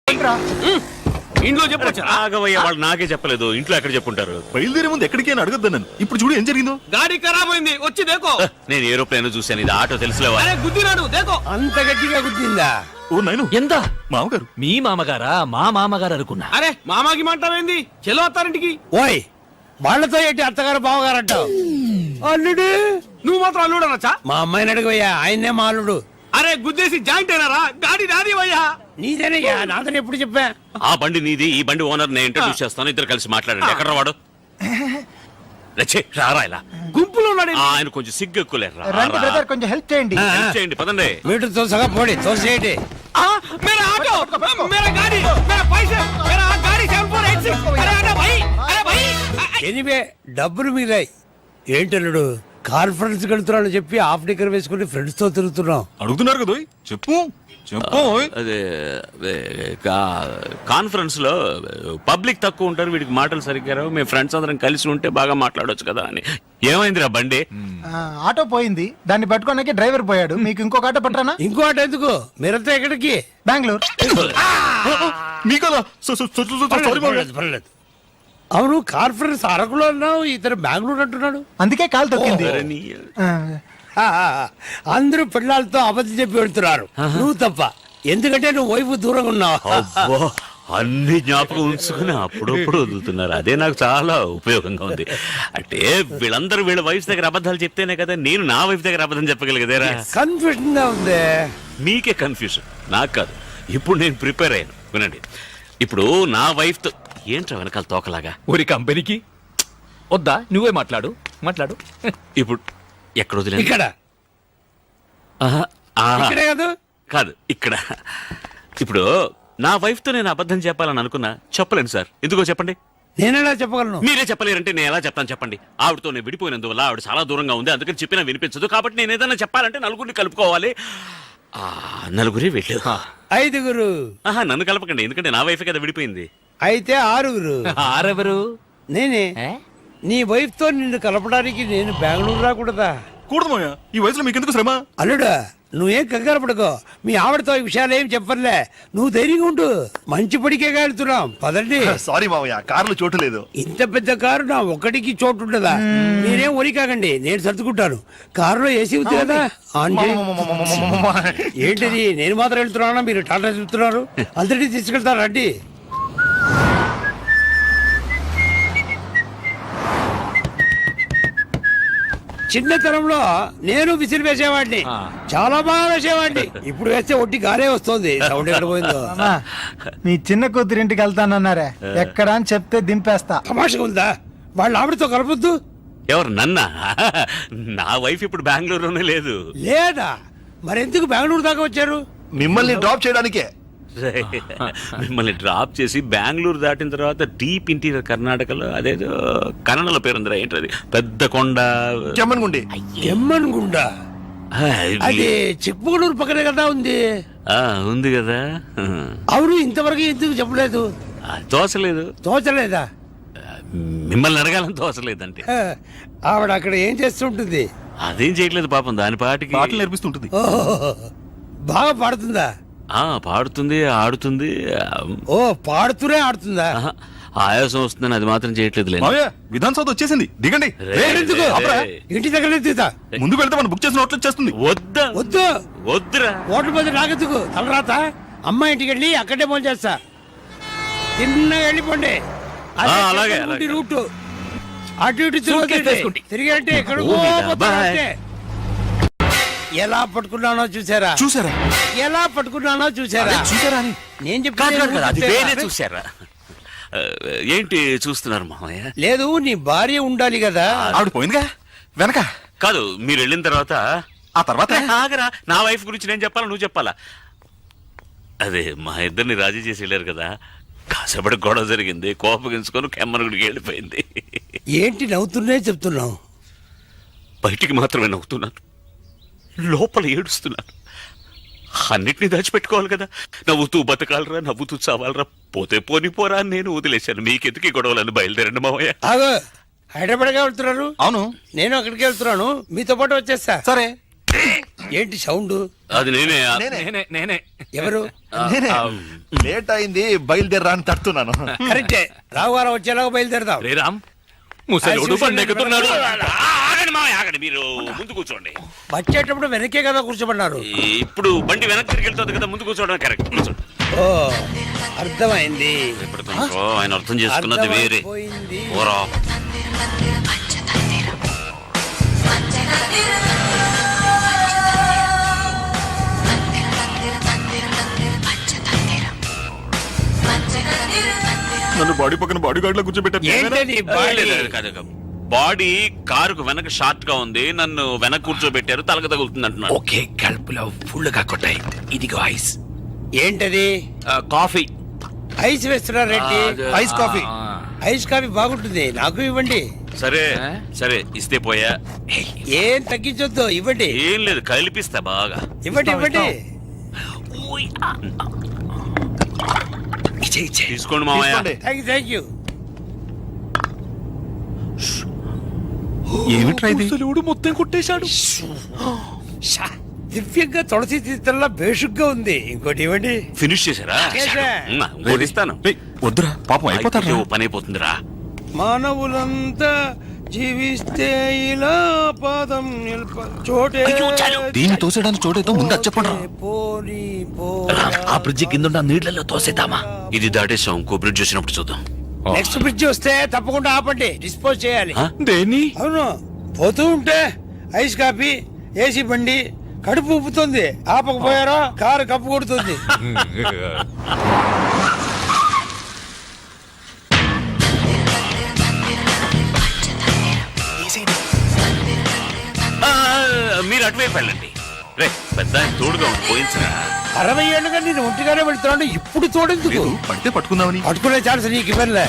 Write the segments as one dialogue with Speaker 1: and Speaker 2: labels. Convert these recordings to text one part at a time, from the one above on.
Speaker 1: ఇంట్లో చెప్పొచ్చు.
Speaker 2: ఆగవయ్య, వాళ్ళు నాకే చెప్పలేదు. ఇంట్లో ఎక్కడ చెప్పుంటారు?
Speaker 3: బయలుదేరే ముందు ఎక్కడికి అని అడగద్దు నన్ను. ఇప్పుడు చూడు ఏం జరిగిందో.
Speaker 1: గాడి ఖరాబ్ అయింది, వచ్చి దేకో.
Speaker 2: నేను ఏరోప్లేన్ చూశాను, ఇది ఆటో తెలుసులేవా?
Speaker 1: అరే గుద్దినాడు, దేకో.
Speaker 4: అంత గట్టిగా గుద్దిందా?
Speaker 3: ఓ నాయను,
Speaker 5: ఎంత
Speaker 3: మామగారు.
Speaker 5: మీ మామగారా? మా మామగారు అనుకున్నా.
Speaker 1: అరే మామాకి మాంటావేంది? చెలో అత్తారింటికి.
Speaker 4: ఓయ్, వాళ్ళతో ఏంటి అత్తగారు బావగారు అంటావు? అల్లుడు,
Speaker 1: నువ్వు మాత్రం అల్లుడు అనొచ్చా?
Speaker 4: మా అమ్మాయిని అడుగుయ్యా, ఆయన్నే మా అల్లుడు.
Speaker 1: అరే గుద్దేసి జాయింట్ అయినారా? గాడి నాది వయ్యా.
Speaker 4: నీదేనయ్యా, నాతో ఎప్పుడు చెప్పా?
Speaker 2: ఆ బండి నీది, ఈ బండి ఓనర్ నేను ఇంట్రడ్యూస్ చేస్తాను, ఇద్దరు కలిసి మాట్లాడండి. ఎక్కడ వాడు? రచ్చే రారా ఇలా.
Speaker 1: గుంపులో ఉన్నాడు.
Speaker 2: ఆయన కొంచెం సిగ్గు ఎక్కువలేరు.
Speaker 6: రండి బ్రదర్, కొంచెం హెల్ప్ చేయండి.
Speaker 2: హెల్ప్ చేయండి, పదండి.
Speaker 4: మీటర్ తోసగా పోడి, తోసేయండి.
Speaker 1: मेरा ऑटो, मेरा गाड़ी, मेरा पैसे, मेरा गाड़ी 7486. अरे अरे भाई, अरे भाई.
Speaker 4: ఎనివే డబ్బులు మిగిలాయి. ఏంటల్లుడు, కాన్ఫరెన్స్ వెళ్తున్నాను చెప్పి హాఫ్ డిగ్గర్ వేసుకుని ఫ్రెండ్స్ తో తిరుగుతున్నాం.
Speaker 3: అడుగుతున్నారు కదా, చెప్పు చెప్పు.
Speaker 2: అదే కాన్ఫరెన్స్ లో పబ్లిక్ తక్కువ ఉంటారు, వీడికి మాటలు సరిగ్గా రావు. మేము ఫ్రెండ్స్ అందరం కలిసి ఉంటే బాగా మాట్లాడొచ్చు కదా అని. ఏమైందిరా బండి?
Speaker 6: ఆటో పోయింది, దాన్ని పట్టుకోడానికి డ్రైవర్ పోయాడు. మీకు ఇంకొక ఆటో పట్టరానా?
Speaker 4: ఇంకో ఆట ఎందుకు? మీరంతా ఎక్కడికి?
Speaker 6: బెంగళూరు.
Speaker 3: మీకలా సారీ
Speaker 4: పర్లేదు, పర్లేదు. అవును, కాన్ఫరెన్స్ అరకులో అన్నావు, ఇతను బెంగళూరు అంటున్నాడు.
Speaker 6: అందుకే కాలు తొక్కింది.
Speaker 4: అందరూ పిల్లలతో అబద్ధం చెప్పి వెళ్తున్నారు, నువ్వు తప్ప. ఎందుకంటే నువ్వు వైపు దూరంగా ఉన్నావు.
Speaker 2: అబ్బో, అన్ని జ్ఞాపకం ఉంచుకుని అప్పుడప్పుడు వదులుతున్నారు. అదే నాకు చాలా ఉపయోగంగా ఉంది. అంటే వీళ్ళందరూ వీళ్ళ వైఫ్ దగ్గర అబద్ధాలు చెప్తేనే కదా నేను నా వైఫ్ దగ్గర అబద్ధం చెప్పగలిగేదేరా.
Speaker 4: కన్ఫ్యూజన్ గా ఉంది.
Speaker 2: మీకే కన్ఫ్యూజన్, నాకు కాదు. ఇప్పుడు నేను ప్రిపేర్ అయ్యాను, వినండి. ఇప్పుడు నా వైఫ్ తో ఏంట్రా వెనకాల తోకలాగా?
Speaker 5: ఊరి కంపెనీకి వద్దా? నువ్వే మాట్లాడు.
Speaker 2: ఇప్పుడు ఎక్కడ వదిలేదు?
Speaker 4: ఇక్కడ ఇక్కడే కాదు,
Speaker 2: కాదు ఇక్కడ. ఇప్పుడు నా వైఫ్ తో నేను అబద్ధం చెప్పాలని అనుకున్నా, చెప్పలేను సార్. ఎందుకో చెప్పండి.
Speaker 4: నేనెలా చెప్పగలను?
Speaker 2: మీరే చెప్పలేరంటే నేను ఎలా చెప్తాను చెప్పండి. ఆవిడతో నేను విడిపోయినందువల్ల ఆవిడ చాలా దూరంగా ఉంది, అందుకని చెప్పినా వినిపించదు. కాబట్టి నేను ఏదైనా చెప్పాలంటే నలుగురిని కలుపుకోవాలి. నలుగురే వెళ్ళు.
Speaker 4: 5గురు.
Speaker 2: నన్ను కలపకండి, ఎందుకంటే నా వైఫ్ కదా విడిపోయింది.
Speaker 4: అయితే 6గురు.
Speaker 5: ఆరెవరు?
Speaker 4: నేనే. నీ వైఫ్ తో నిన్ను కలపడానికి నేను బెంగళూరు రాకూడదా?
Speaker 3: కూడదు మాయా, ఈ వయసులో మీకెందుకు శ్రమ?
Speaker 4: అల్లుడా, నువ్వేం కంగారు పడుకో. మీ ఆవిడతో ఈ విషయాలు ఏం చెప్పర్లే. నువ్వు ధైర్యంగా ఉండు. మంచి పడికే వెళ్తున్నాం, పదండి.
Speaker 3: సారీ మావయ్య, కారులో చోటు లేదు.
Speaker 4: ఇంత పెద్ద కారు నా ఒక్కడికి చోటు ఉండదా? మీరేం ఒరి కాకండి, నేను సర్దుకుంటాను. కారులో ఏసీ ఉంది కదా, ఆన్ చేయి. ఏంటిది, నేను మాత్రం వెళ్తున్నానా? మీరు టాటా చెప్తున్నారు. అందరినీ తీసుకెళ్తారా? రండి. చిన్నతనంలో నేను విసిరి వేసేవాడిని, చాలా బాగా వేసేవాడిని. ఇప్పుడు వేస్తే ఒట్టి గారే వస్తుంది. సౌండ్ ఎక్కడ పోయిందో.
Speaker 6: మీ చిన్న కూతురింటికి వెళ్తానన్నారే, ఎక్కడ అని చెప్తే దింపేస్తా.
Speaker 4: తమాషగా ఉందా? వాళ్ళ ఆవిడతో కలపొద్దు.
Speaker 2: ఎవరు, నన్నా? నా వైఫ్ ఇప్పుడు బెంగళూరులోనే లేదు.
Speaker 4: లేదా? మరెందుకు బెంగళూరు దాకా వచ్చారు?
Speaker 3: మిమ్మల్ని డ్రాప్ చేయడానికే.
Speaker 2: మిమ్మల్ని డ్రాప్ చేసి బెంగళూరు దాటిన తర్వాత డీప్ ఇంటీరియర్ కర్ణాటకలో అదేదో కన్నడలో పేరుందిరా, ఏంటది, పెద్ద కొండ,
Speaker 3: చెమ్మన్గుండి.
Speaker 4: ఎమ్మన్గుండ. అది చిక్మగళూరు పక్కనే కదా ఉంది.
Speaker 2: ఉంది కదా.
Speaker 4: అవును, ఇంతవరకు ఎందుకు చెప్పలేదు?
Speaker 2: తోసలేదు.
Speaker 4: తోచలేదా?
Speaker 2: మిమ్మల్ని అడగాలని తోసలేదంటే.
Speaker 4: ఆవిడ అక్కడ ఏం చేస్తుంటుంది?
Speaker 2: అదేం చేయట్లేదు పాపం, దాని పాటికి
Speaker 3: పాటలు నేర్పిస్తుంటుంది.
Speaker 4: బాగా పాడుతుందా?
Speaker 2: పాడుతుంది, ఆడుతుంది.
Speaker 4: ఓ, పాడుతూనే ఆడుతుందా?
Speaker 2: ఆయాసం వస్తుందని అది మాత్రం చేయట్లేదు.
Speaker 3: మావయ్య, విధాన్ సౌధ వచ్చేసింది, దిగండి.
Speaker 4: ఇంటి దగ్గర తీతా.
Speaker 3: ముందుకు వెళ్తే మనం బుక్ చేసిన హోటల్ వచ్చేస్తుంది.
Speaker 2: వద్దా?
Speaker 4: వద్దు,
Speaker 2: వద్దురా.
Speaker 4: హోటల్ మీద నాకెందుకు తలరాత? అమ్మ ఇంటికి వెళ్ళి అక్కడే ఫోన్ చేస్తా. తిన్నగా వెళ్ళిపోండి.
Speaker 2: అలాగే
Speaker 4: రూట్ అటు ఇటు తిరిగి అంటే ఎక్కడ ఎలా పట్టుకున్నానో చూసారా?
Speaker 3: చూసారా?
Speaker 4: ఎలా పట్టుకున్నానో చూసారా?
Speaker 3: చూసారా అని
Speaker 4: నేను
Speaker 2: చెప్పాను. చూసారా? ఏంటి చూస్తున్నారు మామయ్య?
Speaker 4: లేదు, నీ భార్య ఉండాలి కదా.
Speaker 3: ఆవిడ పోయిందిగా వెనక.
Speaker 2: కాదు, మీరు వెళ్ళిన తర్వాత.
Speaker 3: ఆ తర్వాత
Speaker 2: ఆగరా, నా వైఫ్ గురించి నేను చెప్పాలా నువ్వు చెప్పాలా? అదే మా ఇద్దరిని రాజీ చేసి వెళ్ళారు కదా, కాసేపటి గొడవ జరిగింది, కోపగించుకొని కెమ్మనుడికి వెళ్ళిపోయింది.
Speaker 4: ఏంటి నవ్వుతున్నాయి చెప్తున్నావు?
Speaker 2: బయటికి మాత్రమే నవ్వుతున్నాను, లోపల ఏడుస్తున్నాను. అన్నిటినీ దాచిపెట్టుకోవాలి కదా. నవ్వుతూ బతకాలరా, నవ్వుతూ చావాలరా, పోతే పోరా అని నేను వదిలేశాను. మీకెందుకు గొడవలను? బయలుదేరండి మావయ్య.
Speaker 4: హైదరాబాద్గా వెళ్తున్నారు?
Speaker 3: అవును,
Speaker 4: నేను అక్కడికి వెళ్తున్నాను, మీతో పాటు వచ్చేస్తా.
Speaker 3: సరే.
Speaker 4: ఏంటి సౌండ్?
Speaker 2: అది నేనే
Speaker 5: నేనే
Speaker 4: ఎవరు?
Speaker 3: లేట్ అయింది బయలుదేరా అని తడుతున్నాను.
Speaker 4: కరెక్టే, రావుగారం వచ్చేలాగా బయలుదేరదాం.
Speaker 5: శ్రీరామ్ ముసలోడు బండి ఎక్కుతున్నాడు.
Speaker 2: ఆగండి మావయ్య, ఆగండి. మీరు ముందు కూర్చోండి.
Speaker 4: వచ్చేటప్పుడు వెనకే కదా కూర్చోబడినారు.
Speaker 2: ఇప్పుడు బండి వెనక్కి తిరిగి వెళ్తుంది కదా, ముందు కూర్చోవడం కరెక్ట్. కూర్చోండి.
Speaker 4: ఓ అర్థమైంది.
Speaker 2: ఇప్పుడు తనకో ఆయన అర్థం చేసుకున్నది వేరే.
Speaker 4: అర్థమైపోయింది.
Speaker 2: ఓరా
Speaker 3: నన్ను బాడీ పక్కన బాడీ గార్డ్ లో కూర్చోబెట్టారు.
Speaker 4: ఏంటది బాడీ?
Speaker 2: బాడీ కారుకు వెనక షార్ట్ గా ఉంది, నన్ను వెనక కూర్చోబెట్టారు, తలక తగులుతుంది అంటున్నాడు.
Speaker 1: ఓకే, కడుపులో ఫుల్ గా కొట్టాయి. ఇదిగో ఐస్.
Speaker 4: ఏంటది?
Speaker 2: కాఫీ.
Speaker 4: ఐస్ వేస్తున్నారేంటి?
Speaker 3: Ice coffee.
Speaker 4: ఐస్ కాఫీ బాగుంటుంది, నాకు ఇవ్వండి.
Speaker 2: సరే సరే, ఇస్తే పోయా.
Speaker 4: ఏం తగ్గించొద్దు, ఇవ్వండి.
Speaker 2: ఏం లేదు, కలిపిస్తా బాగా.
Speaker 4: ఇవ్వండి ఇవ్వండి.
Speaker 2: తీసుకోండి మామయ్య.
Speaker 4: Thank you.
Speaker 3: ఏమిట్రా ఇది?
Speaker 5: ముసలోడు మొత్తం కొట్టేశాడు.
Speaker 4: దివ్యంగా తులసి తీర్థంలా బేషుగ్గా ఉంది. ఇంకోటి ఇవ్వండి.
Speaker 2: ఫినిష్ చేశారా?
Speaker 4: చేశా.
Speaker 2: ఇంకోటి ఇస్తాను.
Speaker 3: ఏయ్, వద్దురా పాపం అయిపోతారు.
Speaker 2: అయ్యో, పని అయిపోతుందిరా.
Speaker 4: మానవులంతా జీవిస్తే ఇలా పాదం చోటే
Speaker 3: దీన్ని తోసేయడానికి చోటేదో ముందు అది చెప్పండి.
Speaker 4: పోనీ
Speaker 1: ఆ బ్రిడ్జి కింద నీళ్ళలో తోసేద్దామా?
Speaker 2: ఇది దాటేసాం, ఇంకో బ్రిడ్జ్ వచ్చినప్పుడు చూద్దాం.
Speaker 4: నెక్స్ట్ బ్రిడ్జ్ వస్తే తప్పకుండా ఆపండి, డిస్పోజ్ చేయాలి.
Speaker 2: ఆ?
Speaker 5: దేని?
Speaker 4: అవును, పోతూ ఉంటే ఐస్ కాఫీ, ఏసీ బండి కడుపు ఉప్పుతుంది. ఆపకపోయారో కారు కప్పు కొడుతుంది.
Speaker 2: ఆ, మీరు అటువైపు వెళ్ళండి. రే పెద్ద ఆయన తోడుగా ఉంది, పోయించరా.
Speaker 4: 60 ఏళ్ళుగా నేను ఒంటిగానే వెళ్తున్నాను, ఇప్పుడు తోడెందుకు?
Speaker 3: లేదు, పడితే పట్టుకుందామని.
Speaker 4: పట్టుకునే ఛాన్స్ నీకు ఇవ్వలే.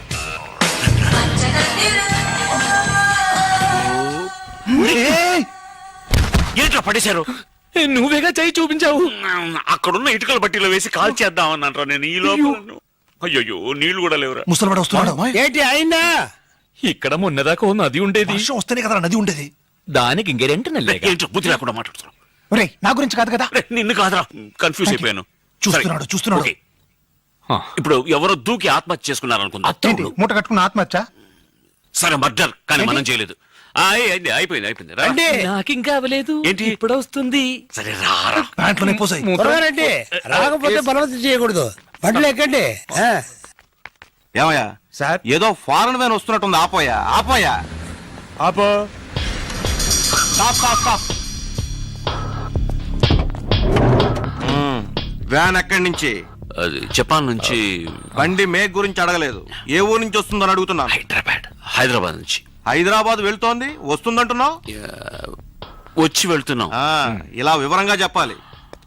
Speaker 2: ఏంట్రా పడేశారు?
Speaker 5: నువ్వేగా చేయి చూపించావు.
Speaker 2: అక్కడున్న ఇటుకల బట్టీలో వేసి కాల్ చేద్దాం అన్నారా నేను ఈ లోపల. అయ్యో, నీళ్లు కూడా లేవురా.
Speaker 3: ముసలివాడు వస్తున్నాడు.
Speaker 4: ఏంటి అయిందా?
Speaker 5: ఇక్కడ మొన్నదాకా ఓ నది ఉండేది,
Speaker 3: వర్షం వస్తేనే కదా నది ఉండేది.
Speaker 5: దానికి ఇంకెరెంట్ నల్లేగా.
Speaker 2: ఏంటో బుద్ధి లేకుండా మాట్లాడుతున్నావు.
Speaker 6: ఒరేయ్, నా గురించి కాదు కదా.
Speaker 2: రే, నిన్ను కాదురా, కన్ఫ్యూజ్ అయిపోయాను.
Speaker 3: చూస్తున్నాడు,
Speaker 2: సరే,
Speaker 3: చూస్తున్నాడు.
Speaker 2: ఓకే. ఇప్పుడు ఎవరో దూకి ఆత్మహత్య చేసుకున్నారు అనుకుందా?
Speaker 6: ఏంటి మూట కట్టుకున్న ఆత్మహత్య?
Speaker 2: సరే, మర్డర్, కానీ మనం చేయలేదు. అయింది, అయిపోయింది రా.
Speaker 4: అంటే
Speaker 5: నాకింకా అవ్వలేదు.
Speaker 2: ఏంటి?
Speaker 5: ఇప్పుడు వస్తుంది.
Speaker 2: సరే రారా.
Speaker 3: ప్యాంట్లోనే పోసాయి.
Speaker 4: త్వరగారండి, రాకపోతే బలవంతం చేయకూడదు. బండ్లు ఎక్కండి.
Speaker 3: ఏమయ్యా
Speaker 6: సార్,
Speaker 3: ఏదో ఫారెన్ వ్యాన్ వస్తున్నట్టుంది. ఆపోయా ఆపోయా.
Speaker 6: ఆపో.
Speaker 3: Stop stop stop. వ్యాన్ ఎక్కడి నుంచి?
Speaker 2: అది జపాన్ నుంచి.
Speaker 3: బండి మేక్ గురించి అడగలేదు, ఏ ఊరు నుంచి వస్తుందని అడుగుతున్నాను.
Speaker 2: హైదరాబాద్ నుంచి.
Speaker 3: హైదరాబాద్ వెళ్తోంది, వస్తుందంటున్నావు.
Speaker 2: వచ్చి వెళ్తున్నాం.
Speaker 3: ఇలా వివరంగా చెప్పాలి.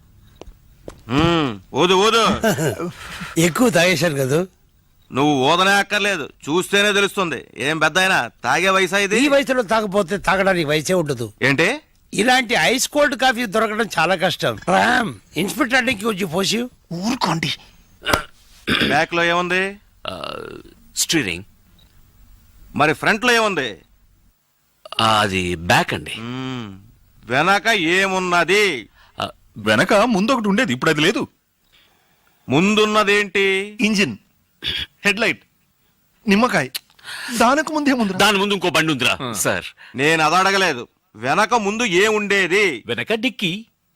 Speaker 3: ఓదు ఓదు.
Speaker 4: ఎక్కువ తాగేశారు కదా.
Speaker 3: నువ్వు ఓదనే అక్కర్లేదు, చూస్తేనే తెలుస్తుంది. ఏం పెద్ద అయినా తాగే వయసా ఇది?
Speaker 4: ఈ వయసులో తాగపోతే తాగడానికి వయసే ఉండదు.
Speaker 3: ఏంటి?
Speaker 4: ఇలాంటి ఐస్ కోల్డ్ కాఫీ దొరకడం చాలా కష్టం. రామ్, ఇన్స్పెక్టర్ అడ్డంకి వచ్చి పోసి.
Speaker 3: ఊరుకోండి. బ్యాక్ లో ఏముంది?
Speaker 2: స్టీరింగ్.
Speaker 3: మరి ఫ్రంట్ లో ఏముంది?
Speaker 2: అది బ్యాక్ అండి.
Speaker 3: వెనక ఏమున్నది? వెనక ముందు ఒకటి ఉండేది, ఇప్పుడు అది లేదు. ముందున్నదేంటి? ఇంజిన్, హెడ్ లైట్, నిమ్మకాయ. దానికి ముందేముంది?
Speaker 2: దాని ముందు ఇంకో బండి ఉందిరా సార్.
Speaker 3: నేను అది అడగలేదు. వెనక ముందు ఏ ఉండేది?
Speaker 5: వెనక డిక్కి.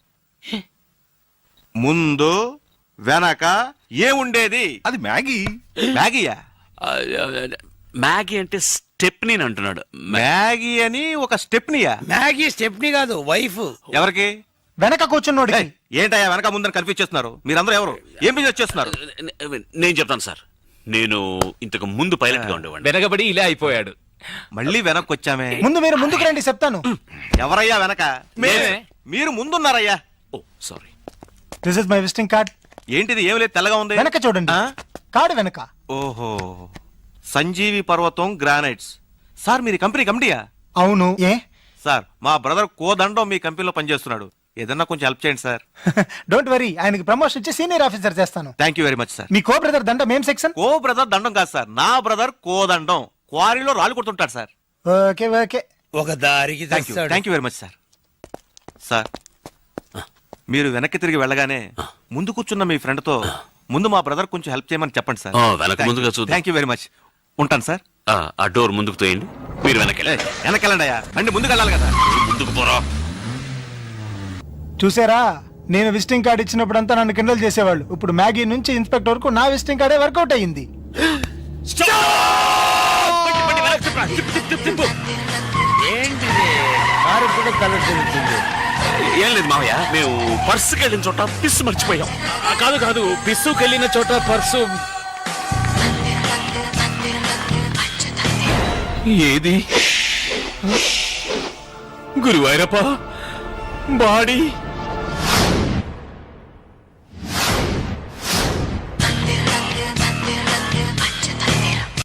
Speaker 3: ముందు వెనక ఏ ఉండేది? అది మ్యాగీ. మ్యాగీయా?
Speaker 2: మ్యాగీ అంటే స్టెప్నీ అంటున్నాడు.
Speaker 3: మ్యాగీ అని ఒక స్టెప్నియా?
Speaker 4: మ్యాగీ స్టెప్నీ కాదు, వైఫ్.
Speaker 3: ఎవరికి?
Speaker 6: వెనక కూర్చున్నోడి.
Speaker 3: ఏంటయ్యా వెనక ముందని కన్ఫ్యూజ్ చేస్తున్నారు? మీరందరూ ఎవరు? ఏం బిజినెస్ చేస్తున్నారు?
Speaker 2: నేను చెప్తాను సార్. నేను ఇంతకు ముందు పైలట్ గా ఉండేవాడిని.
Speaker 5: వెనకబడి ఇలా అయిపోయాడు.
Speaker 3: మళ్ళీ వెనక్కి వచ్చామే.
Speaker 6: ముందు మీరు ముందుకు రండి, చెప్తాను.
Speaker 3: ఎవరయ్యా వెనక?
Speaker 5: మేమే.
Speaker 3: మీరు ముందున్నారయ్యా.
Speaker 2: Oh sorry.
Speaker 6: This is my visiting card.
Speaker 3: ఏంటిది? ఏం లేదు, తెల్లగా ఉంది.
Speaker 6: వెనక చూడండి, కార్డు వెనక.
Speaker 3: ఓహో, సంజీవి పర్వతం గ్రానైట్స్. సార్ మీరు కంపెనీ కమిటీయా?
Speaker 6: అవును. ఏ?
Speaker 3: సార్ మా బ్రదర్ కోదండం మీ కంపెనీలో పనిచేస్తున్నాడు. ఏదన్నా కొంచెం హెల్ప్ చేయండి సార్.
Speaker 6: డోంట్ వరీ, ఆయనకి ప్రమోషన్ ఇచ్చి సీనియర్ ఆఫీసర్ చేస్తాను.
Speaker 3: Thank you very much sir.
Speaker 6: మీ కో బ్రదర్ దండ మేం సెక్షన్.
Speaker 3: కో బ్రదర్ దండం కాదు సార్, నా బ్రదర్ కోదండం క్వారీలో రాళ్ళు కొడుతుంటాడు సార్.
Speaker 6: Okay okay.
Speaker 4: ఒక దారికి
Speaker 3: thank you very much sir. Sir మీరు వెనక్కి తిరిగి వెళ్ళగానే ముందు కూర్చున్న మీ ఫ్రెండ్ తో ముందు మా బ్రదర్ కొంచెం హెల్ప్ చేయమని చెప్పండి సార్.
Speaker 2: వెనక ముందుగా చూద్దాం.
Speaker 3: Thank you very much. ఉంటాను సార్.
Speaker 2: ఆ డోర్ ముందుకు తోయండి, మీరు వెనకెళ్ళి
Speaker 3: వెనకెళ్ళండి అయ్యా, రండి ముందుకు వెళ్ళాలి కదా.
Speaker 2: ముందుకు పోరా.
Speaker 6: చూసారా, నేను విజిటింగ్ కార్డు ఇచ్చినప్పుడంతా నన్ను కిండల్ చేసేవాళ్ళు. ఇప్పుడు మ్యాగీ నుంచి ఇన్స్పెక్టర్ వరకు నా విజిటింగ్ కార్డే వర్కౌట్ అయ్యింది.
Speaker 4: ఏంటిది కారు కూడా కలర్ తిరుగుతుంది.
Speaker 2: ఏం లేదు మావయ్య, మేము పర్సుకి వెళ్ళిన చోట పిస్సు మర్చిపోయాం.
Speaker 5: కాదు కాదు, పిస్సుకెళ్ళిన చోట పర్సు ఏది? గురువాయూరప్ప బాడీ